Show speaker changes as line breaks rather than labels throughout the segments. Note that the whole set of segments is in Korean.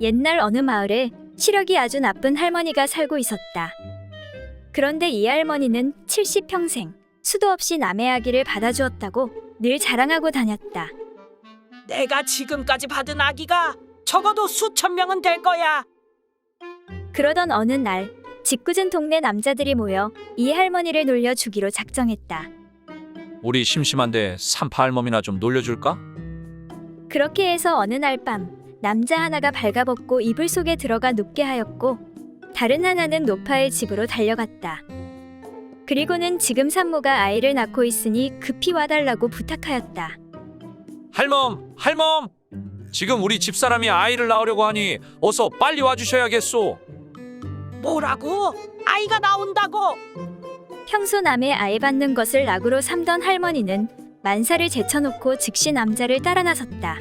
옛날 어느 마을에 시력이 아주 나쁜 할머니가 살고 있었다. 그런데 이 할머니는 70평생 수도 없이 남의 아기를 받아주었다고 늘 자랑하고 다녔다.
내가 지금까지 받은 아기가 적어도 수천 명은 될 거야.
그러던 어느 날 짓궂은 동네 남자들이 모여 이 할머니를 놀려 주기로 작정했다.
우리 심심한데 산파 할멈이나 좀 놀려줄까?
그렇게 해서 어느 날 밤 남자 하나가 발가벗고 이불 속에 들어가 눕게 하였고 다른 하나는 노파의 집으로 달려갔다. 그리고는 지금 산모가 아이를 낳고 있으니 급히 와달라고 부탁하였다.
할멈, 할멈! 지금 우리 집사람이 아이를 낳으려고 하니 어서 빨리 와주셔야겠소.
뭐라고? 아이가 나온다고?
평소 남의 아이 받는 것을 낙으로 삼던 할머니는 만사를 제쳐놓고 즉시 남자를 따라 나섰다.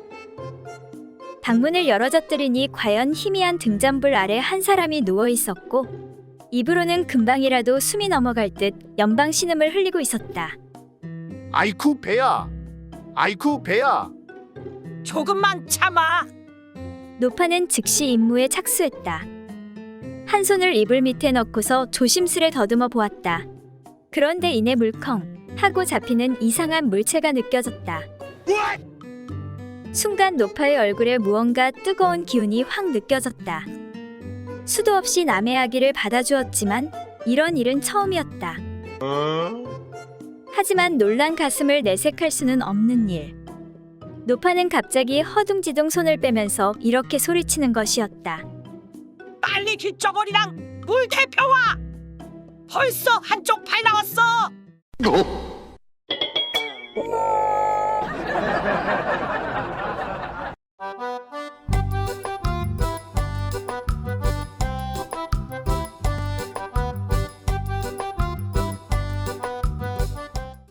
방문을 열어젖들으니 과연 희미한 등잔불 아래 한 사람이 누워 있었고 입으로는 금방이라도 숨이 넘어갈 듯 연방 신음을 흘리고 있었다.
아이쿠 배야, 아이쿠 배야.
조금만 참아.
노파는 즉시 임무에 착수했다. 한 손을 이불 밑에 넣고서 조심스레 더듬어 보았다. 그런데 이내 물컹 하고 잡히는 이상한 물체가 느껴졌다. 순간 노파의 얼굴에 무언가 뜨거운 기운이 확 느껴졌다. 수도 없이 남의 아기를 받아주었지만 이런 일은 처음이었다. 하지만 놀란 가슴을 내색할 수는 없는 일. 노파는 갑자기 허둥지둥 손을 빼면서 이렇게 소리치는 것이었다.
빨리 귓저고리랑 물 대표와. 벌써 한쪽 팔 나왔어.